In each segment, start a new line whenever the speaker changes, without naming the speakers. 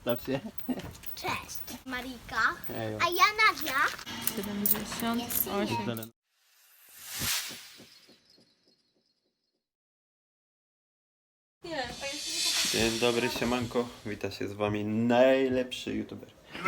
Staw się.
Cześć, Marika.
Hejo.
A ja Nadia.
78.
Dzień dobry, siemanko. Wita się z wami najlepszy youtuber.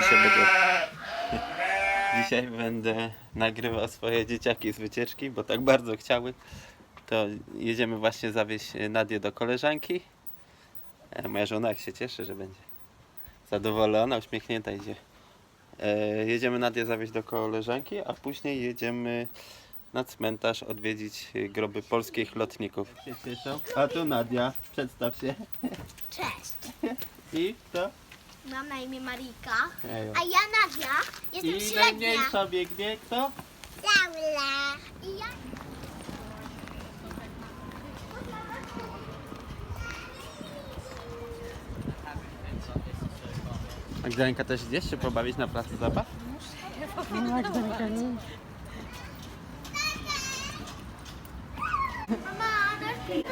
Dzisiaj będę nagrywał swoje dzieciaki z wycieczki, bo tak bardzo chciały. To jedziemy właśnie zawieźć Nadię do koleżanki. Moja żona jak się cieszy, że będzie zadowolona, uśmiechnięta idzie. Jedziemy Nadię zawieźć do koleżanki, a później jedziemy na cmentarz odwiedzić groby polskich lotników. Się cieszą. A tu Nadia, przedstaw się.
Cześć.
I kto?
Mam na imię Marika.
Hejo.
A ja Nadia. Jestem
I
średnia.
najmniejsza biegnie kto?
Laura. I ja...
Magdalenka też idziesz się pobawić na placu zabaw?
Mama, dasz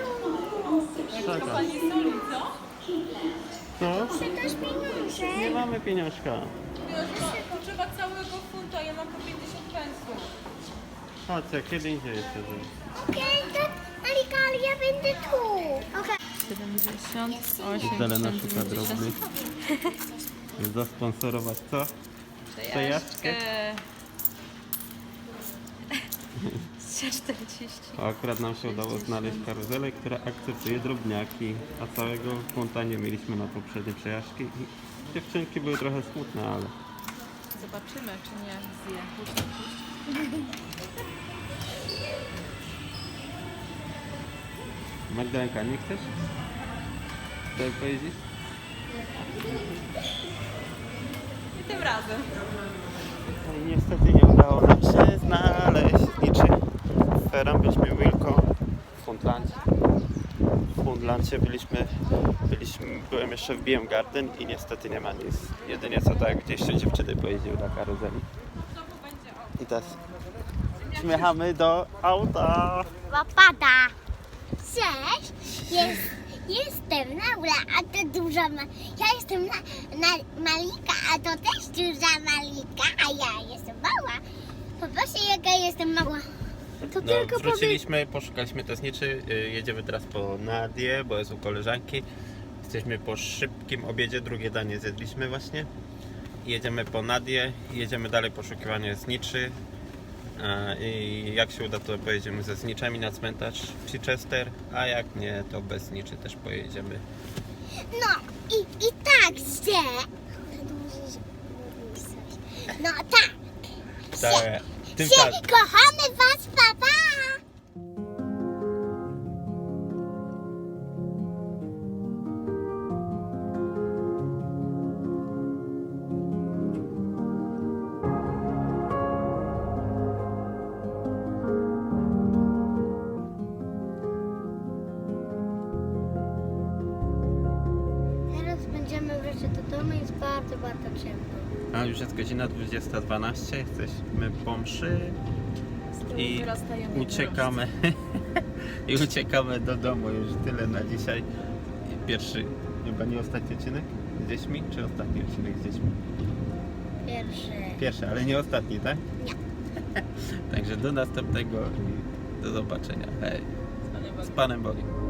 Co?
też pieniądze.
Nie mamy pieniążka.
Potrzeba całego funta, ja mam po 50 pensów.
Chodź, kiedy indziej jeszcze zrobić.
Okej, to Marika, ale ja będę tu. Okej.
78.
Zelena szuka drobnych. Zasponsorować co? Przejażdżkę?
40.
Akurat nam się udało znaleźć karuzelę, która akceptuje drobniaki, a całego funta nie mieliśmy na poprzednie przejażdżki. I dziewczynki były trochę smutne, ale
Zobaczymy, czy nie zje.
Magdalenka, nie chcesz? Chcesz pojeździć?
I tym razem.
No i niestety nie udało nam się znaleźć niczy. Ferem byliśmy Wilko w Fundlandzie. W Fundlandzie byłem jeszcze w BM Garden i niestety nie ma nic. Jedynie co tak, gdzieś jeszcze dziewczyny pojeździły na karuzeli. I teraz śmiechamy do auta.
Łapada. Cześć. Jestem Laura, a to duża ja jestem Malika, a to też duża Malika, a ja jestem mała. Poproszę, jaka jestem mała. To tylko
Wróciliśmy, poszukaliśmy tesniczy, jedziemy teraz po Nadię, bo jest u koleżanki. Jesteśmy po szybkim obiedzie, drugie danie zjedliśmy właśnie. Jedziemy po Nadię, jedziemy dalej poszukiwanie zniczy. I jak się uda, to pojedziemy ze zniczami na cmentarz w Chichester, a jak nie, to bez zniczy też pojedziemy.
No i tak się. No tak. Kochamy was, papa. Teraz będziemy wreszcie do domu, jest bardzo, bardzo ciemno.
A już jest godzina 20:12, jesteśmy po mszy i uciekamy. I uciekamy do domu, już tyle na dzisiaj. Pierwszy, chyba nie ostatni odcinek z dziećmi, czy ostatni odcinek z dziećmi? Pierwszy, ale nie ostatni, tak?
Nie.
Także do następnego i do zobaczenia. Hej. Z Panem Bogiem.